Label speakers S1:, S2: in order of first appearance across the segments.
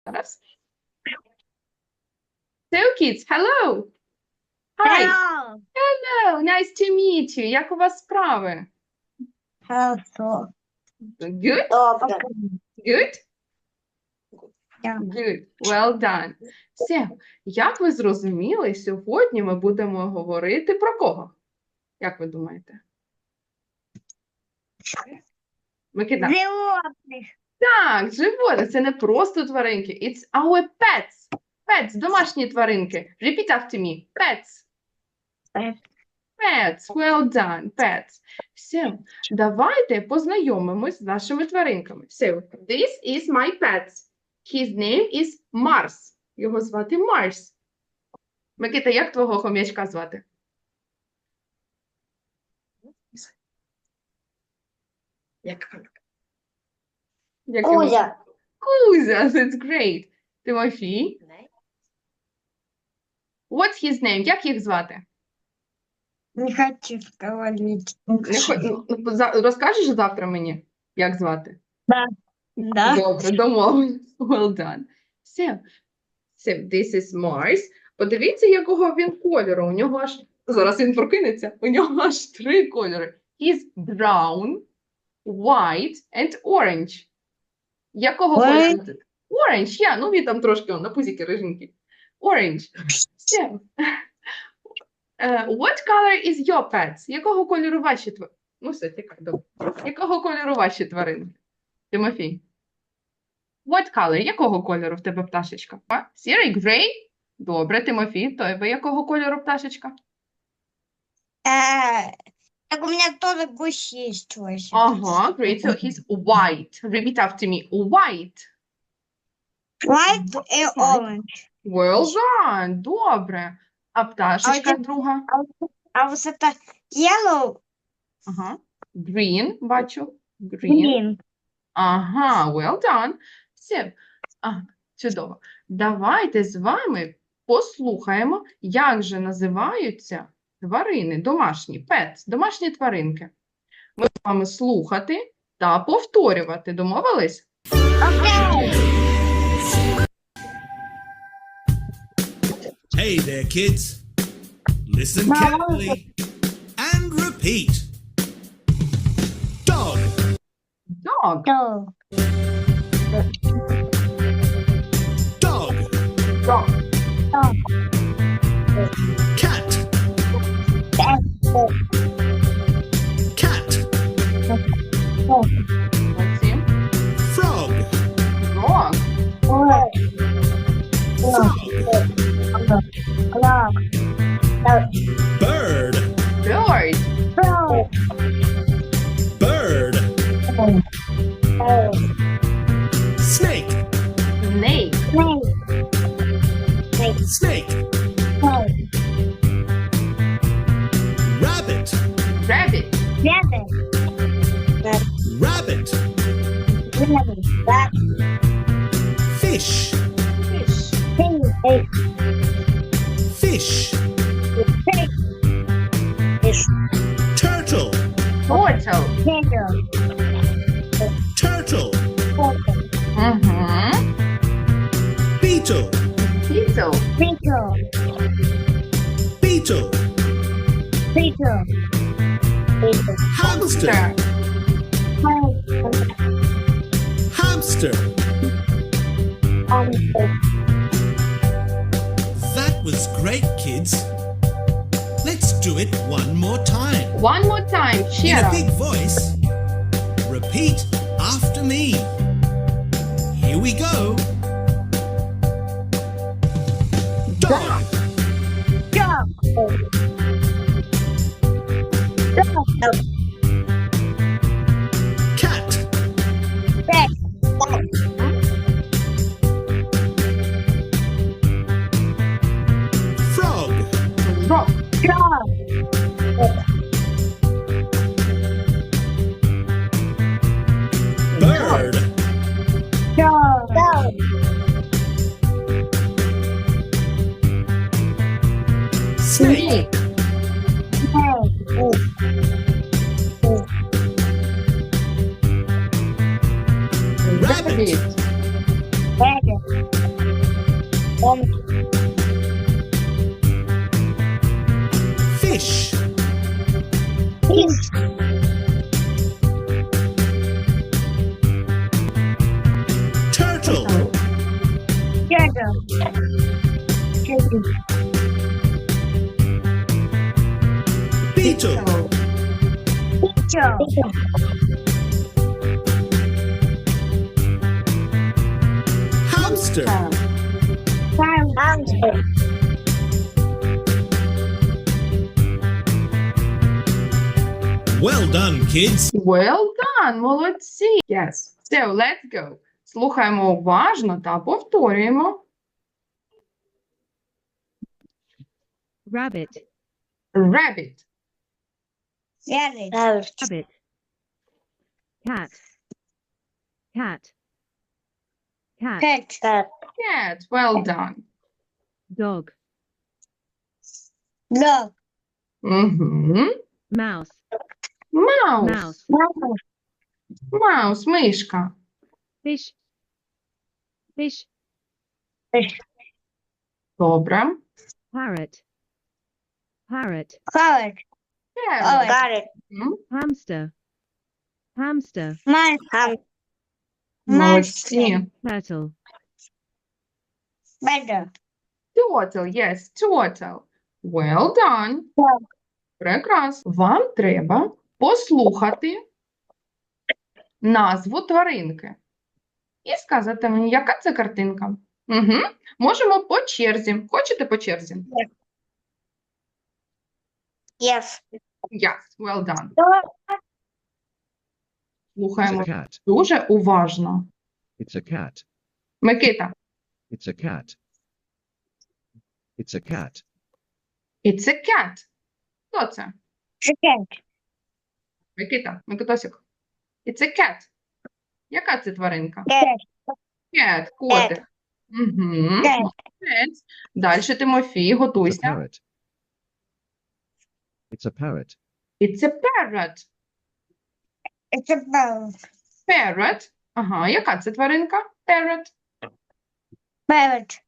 S1: Зараз. So, kids, hello. Hi.
S2: Hello.
S1: Hello, nice to meet you. Як у вас справи?
S2: Хорошо.
S1: Good?
S2: Добре.
S1: Good?
S2: Yeah.
S1: Good. Well done. Все. Як ви зрозуміли, сьогодні ми будемо говорити про кого? Як ви думаєте? Микита.
S2: Животних.
S1: Так, животні. Це не просто тваринки. It's our pets. Pets, домашні тваринки. Repeat after me. Pets.
S2: Pets.
S1: Pets. Well done. Pets. Все. Давайте познайомимось з нашими тваринками. So, this is my pet. His name is Mars. Його звати Марс. Микита, як твого хом'ячка звати? Як його?
S2: Кузя.
S1: Кузя, that's great. Тимофій. What's his name? Як їх звати?
S2: Не хочу говорить.
S1: Розкажеш завтра мені, як звати?
S2: Да.
S1: Добре, домовились. Well done. So, this is Mars. Подивіться, якого він кольору. У нього аж, зараз він прокинеться, у нього аж 3 кольори. He's brown, white and orange. Якого кольору? Orange, yeah. Ну він там трошки на пузіки риженький. Orange. So, what color is your pets? Якого кольору ваші тварини? Ну все, тікай, добре. Якого кольору ваші тварини? Тимофій. What color? Якого кольору в тебе пташечка? Сірий, gray? Добре, Тимофій. Тебе якого кольору пташечка?
S2: Так у меня тоже гусь есть.
S1: Ага, great. So he's white. Repeat after me. White.
S2: White и orange.
S1: Well done. Добре. А пташечка друга?
S2: А вот это yellow.
S1: Ага. Green, бачу. Green.
S2: Green.
S1: Ага, well done. Все. Ага, чудово. Давайте з вами послухаємо, як же називаються тварини домашні, pets, домашні тваринки. Ми з вами слухати та повторювати. Домовились?
S3: Hey there, kids. Listen carefully and repeat. Dog,
S1: Dog,
S2: Dog.
S3: dog,
S1: dog,
S3: cat, cat,
S1: молодці.
S3: frog,
S1: Dog,
S3: frog, bird,
S1: bird,
S3: bird, snake,
S1: snake,
S3: snake, rabbit,
S1: rabbit,
S3: rabbit, fish,
S1: fish,
S3: fish, turtle,
S1: turtle.
S3: turtle, beetle,
S1: Beetle,
S3: beetle, hamster, hamster. That was great, kids. Let's do it one more time.
S1: One more time,
S3: In
S1: cheer
S3: a
S1: up.
S3: big voice. Repeat after me. Here we go. Dog, cat, frog,
S1: Frog,
S3: bird, snake,
S1: rabbit,
S2: Rabbit.
S3: Beetle.
S2: Чё?
S3: Hamster.
S2: Hamster.
S3: Well done, kids.
S1: Well done, молодці. Yes. So, let's go. Слухаємо уважно та повторюємо.
S4: Rabbit,
S1: Rabbit,
S2: Rabbit.
S4: rabbit. Cat, cat, cat.
S2: Cat.
S1: cat. Well done.
S4: Dog,
S2: Dog.
S1: Угу.
S4: mouse,
S1: Mouse.
S4: mouse.
S1: Mouse, мишка.
S4: Fish, fish.
S1: Добре.
S4: Parrot, parrot.
S2: Parrot.
S1: Parrot.
S2: Parrot.
S1: М,
S4: Hamster, hamster.
S2: Mouse.
S1: Молодці.
S4: Turtle,
S2: Better.
S1: Turtle, yes, turtle. Well done.
S2: Так.
S1: Прекрасно. Вам треба послухати назву тваринки і сказати мені, яка це картинка. Угу. Можемо по черзі. Хочете по черзі?
S2: Yes.
S1: Yes, well done.
S2: Dog.
S5: It's
S1: Слухаємо
S5: a cat.
S1: дуже уважно.
S5: It's a cat.
S1: Микита,
S5: It's a cat. It's a cat.
S1: it's a cat. Хто це?
S2: Cat.
S1: Микита, Микитосик. It's a cat. Яка це тваринка?
S2: Cat.
S1: Cat, котик. Угу.
S2: Cat.
S1: Далі, Тимофій,
S5: It's a
S1: готуйся.
S5: parrot. It's a parrot.
S1: It's a parrot.
S2: It's a bird.
S1: Parrot. Ага, яка це тваринка? Parrot.
S2: Parrot.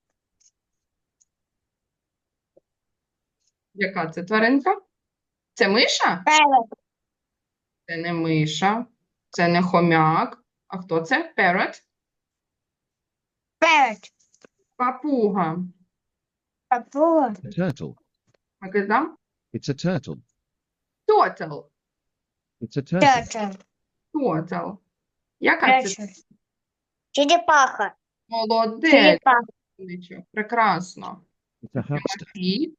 S1: Яка це тваринка? Це миша?
S2: Parrot.
S1: Це не миша. Це не хомяк. А хто це? Parrot.
S2: Parrot.
S1: Папуга.
S2: Papua.
S5: A turtle.
S1: Микита?
S5: It's a turtle.
S1: Turtle.
S5: It's a turtle.
S2: Turtle.
S1: Turtle. Яка це?
S2: Turtle. Черепаха.
S1: Молодець.
S2: Черепаха.
S1: Нічого. Прекрасно.
S5: It's a hamster.
S1: І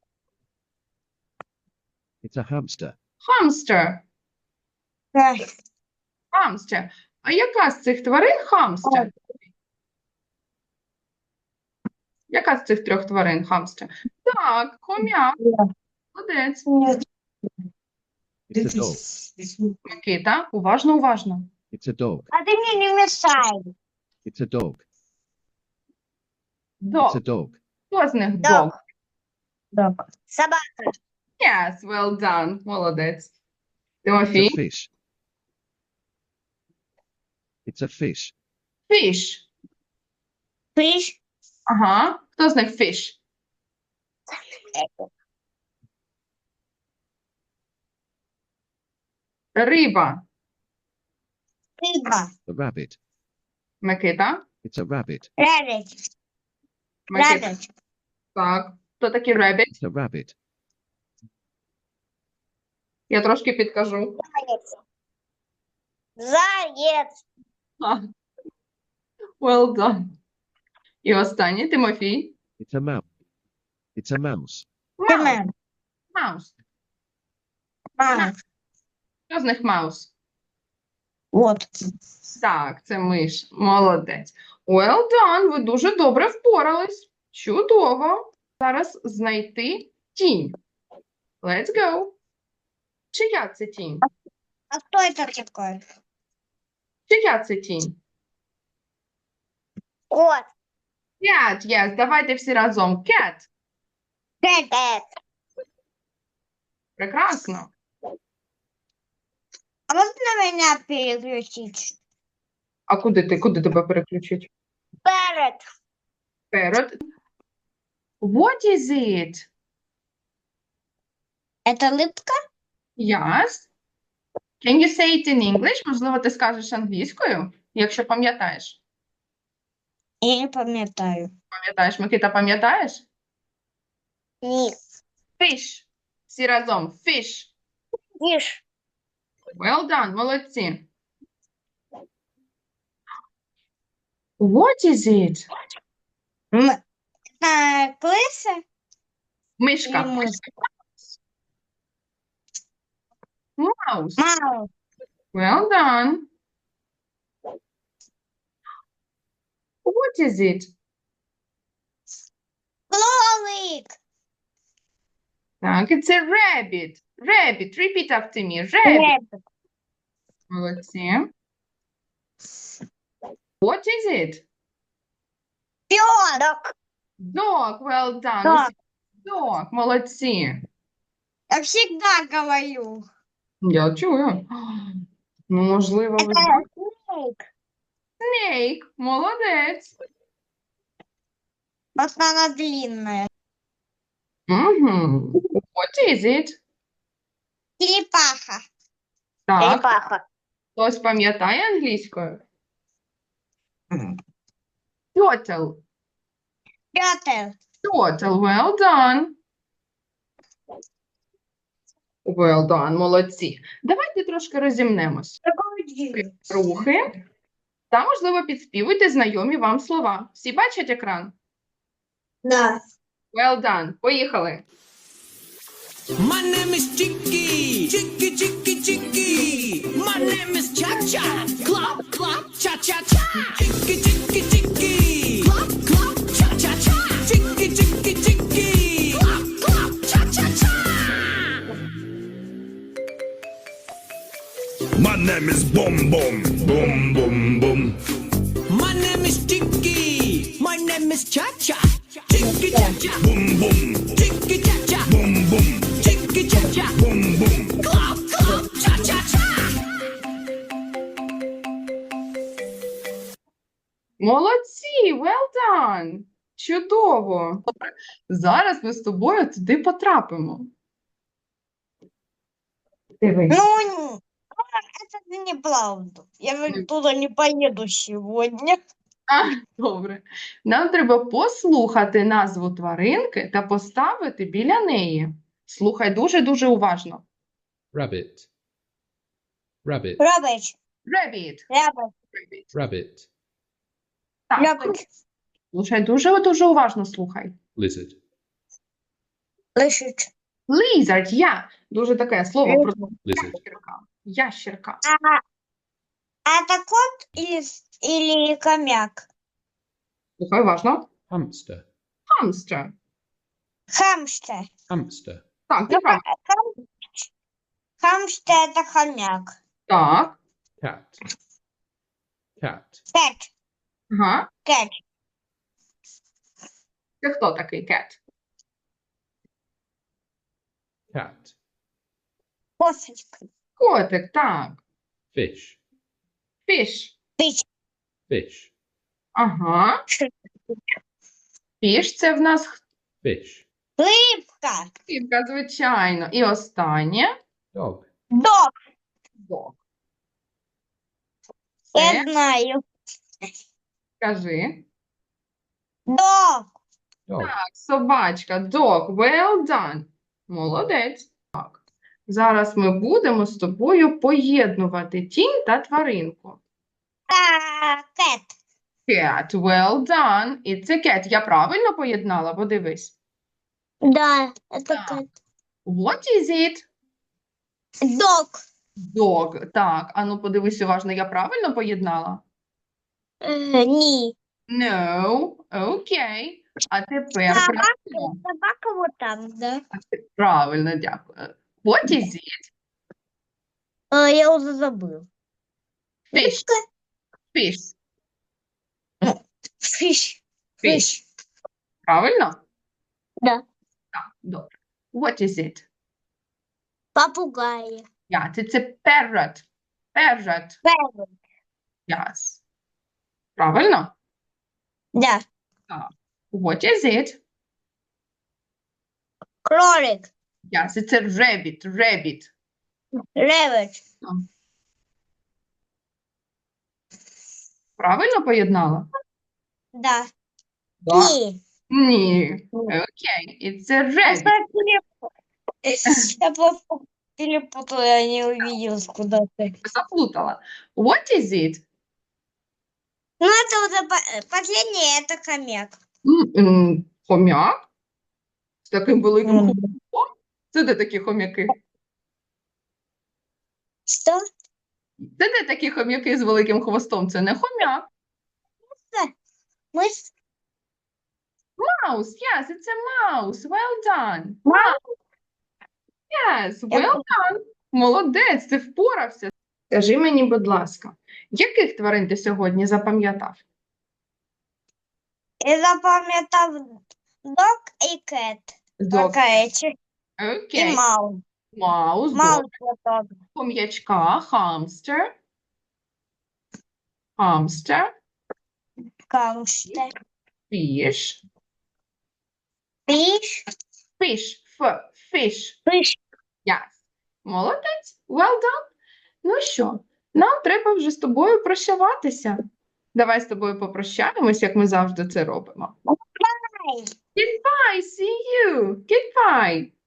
S5: It's a hamster.
S1: хамстер. Хамстер. А яка з цих тварин хамстер? Яка з цих трьох тварин хамстер? Так, хомяк. Молодець.
S5: It's a dog.
S1: Микита, уважно, уважно.
S5: It's a dog.
S2: А ты мне не мешай.
S5: It's a dog. It's
S1: Дог.
S5: a dog.
S1: Хто з них
S2: Дог.
S1: дог?
S2: Dog. Собака.
S1: Yes, well done. Молодець.
S5: It's a
S1: Тимофій?
S5: fish. It's a fish.
S1: Fish.
S2: Fish.
S1: Ага. Хто з них fish? Риба.
S2: Рыба.
S5: A rabbit.
S1: Микита?
S5: It's a rabbit.
S2: Rabbit.
S1: Микита.
S2: Rabbit.
S1: Так. Хто такий rabbit?
S5: It's a rabbit.
S1: Я трошки підкажу.
S2: Заяц. Заяц.
S1: А. Well done. І останній, Тимофій.
S5: It's a mouse. It's a mouse.
S1: Маус. Маус.
S2: Маус.
S1: Хто з них маус?
S2: Вот.
S1: Так, це миш. Молодець. Well done. Ви дуже добре впорались. Чудово. Зараз знайти тінь. Let's go. Чия це тінь?
S2: А кто это такой?
S1: Чия це тінь?
S2: Кот.
S1: Cat, yes. Давайте всі разом. Cat.
S2: Cat.
S1: Прекрасно.
S2: А можно меня переключить?
S1: А куди тебе переключить?
S2: Parrot.
S1: Parrot. What is it?
S2: Это липка?
S1: Yes. Can you say it in English? Можливо, ти скажеш англійською, якщо пам'ятаєш.
S2: Я не пам'ятаю.
S1: Пам'ятаєш, Микита, пам'ятаєш?
S2: Ні.
S1: Fish. Всі разом. Fish.
S2: Ніж.
S1: Well done. Молодці. What is it?
S2: Клиса?
S1: Мишка.
S2: Или мишка?
S1: Mouse.
S2: Маус.
S1: Well done. What is it?
S2: Кролик.
S1: Так, it's a rabbit. Rabbit. Repeat after me. Rabbit.
S2: Ребят.
S1: Молодці. What is it?
S2: Пёрок.
S1: Dog. Well done.
S2: Dog.
S1: Dog. Молодці.
S2: Я всегда говорю.
S1: Я чую. Ну, можливо, ви знаєте.
S2: Кролик.
S1: Snake. Молодець.
S2: Просто она длинная.
S1: Угу. What is it?
S2: Черепаха.
S1: Так,
S2: Черепаха.
S1: хтось пам'ятає англійською? Turtle.
S2: Пётр.
S1: Turtle. Well done. Well done. Молодці. Давайте трошки розімнемось. Рухи. Та, можливо, підспівуйте знайомі вам слова. Всі бачать екран?
S2: Да.
S1: Well done. Поїхали.
S3: My name is Chicky. Chicky, Chicky, Chicky. My name is Cha Cha. Clop, clop, cha cha cha. Chicky, Chicky, Chicky. Clop, clop, cha cha cha. Chicky, Chicky, Chicky. Clop, clop, cha cha cha.
S6: My name is Boom Boom. Boom Boom Boom.
S3: My name is Chicky. My name is Cha Cha. Chicky, cha cha.
S6: Boom Boom.
S3: Chicky, cha cha.
S6: Boom Boom.
S3: Chicky, cha cha.
S6: Boom Boom.
S3: Clop, clop, cha cha cha.
S1: Молодці. Well done. Чудово. Добре. Зараз ми з тобою туди потрапимо. Дивись.
S2: Ну, это неправда. Я туда не поеду сегодня.
S1: Добре. Нам треба послухати назву тваринки та поставити біля неї. Слухай дуже-дуже уважно.
S5: Rabbit. Rabbit.
S2: Рабыч.
S1: Rabbit.
S2: Рабыч.
S1: Rabbit.
S5: Rabbit.
S1: Так,
S2: Рабыч.
S1: слухай, дуже-дуже уважно слухай.
S5: Lizard.
S2: Лошадь.
S1: Lizard, я. Дуже таке слово про
S5: Lizard.
S1: ящерка. Ящерка.
S2: А это кот или хомяк?
S1: Слухай уважно.
S5: Hamster.
S1: Hamster.
S2: Хамстер.
S5: Hamster.
S1: Так, ти
S2: Ну,
S1: прав.
S2: Хамстер это хомяк.
S1: Так.
S5: Cat. Cat.
S2: Кэт.
S1: Ага.
S2: Кэт.
S1: Це хто такий cat?
S5: Cat.
S2: Кошечка.
S1: Котик, так.
S5: Fish.
S1: Fish.
S2: Пич.
S5: Fish.
S1: Ага. Fish – це в нас
S5: Fish.
S2: Рыбка.
S1: хтивка, звичайно. І останнє
S5: Dog.
S2: Дог.
S1: dog.
S2: Я
S1: Це,
S2: знаю.
S1: скажи.
S2: Дог.
S5: Dog.
S1: Так, собачка, dog. Well done. Молодець. Так. Зараз ми будемо з тобою поєднувати тінь та тваринку.
S2: Кэт.
S1: Cat. Well done. It's a cat. Я правильно поєднала? Подивись.
S2: Да, это
S1: Так.
S2: кэт.
S1: What is it?
S2: Дог.
S1: Dog. Так, ану подивись уважно, я правильно поєднала?
S2: Ні.
S1: No. Окей. А тепер
S2: Собака.
S1: правильно?
S2: Собака вот там, да?
S1: Правильно, дякую. What is it?
S2: Я уже забыл.
S1: Fish. Fish.
S2: Фиш.
S1: Fish. Правильно?
S2: Да.
S1: Так, добре. What is it?
S2: Попугай.
S1: Yeah, it's a parrot. Parrot.
S2: Певен.
S1: Yes. Правильно?
S2: Да.
S1: What is it?
S2: Кролик.
S1: Yes, it's a rabbit. Rabbit.
S2: Ревич.
S1: Правильно поєднала?
S2: Да.
S1: Да.
S2: Ні.
S1: Ні. Окей. It's a rabbit.
S2: Я просто перепутала, я не увидела, куда ты.
S1: Заплутала. What is it?
S2: Ну, это уже последнее, это хомяк.
S1: Хомяк? З таким великим
S2: Мгм.
S1: хвостом? Це де такі хомяки?
S2: Что?
S1: Це де такі хомяки з великим хвостом? Це не хомяк.
S2: Мы
S1: Mouse. Yes, it's a mouse. Well done. Yes,
S2: Я
S1: well done. Молодець, ти впорався. Скажи мені, будь ласка, яких тварин ти сьогодні запам'ятав?
S2: запам'ятав дог и кэт.
S1: Dog.
S2: Такая и
S1: Окей.
S2: маус.
S1: Маус, дог,
S2: Маус вот
S1: хом'ячка, хамстер. Хамстер,
S2: камштер.
S1: fish.
S2: Пиш.
S1: Fish.
S2: Пиш.
S1: Yes. Молодець. Well done. Ну що, нам треба вже з тобою прощаватися. Давай з тобою попрощаємось, як ми завжди це робимо. Goodbye, see you. Goodbye.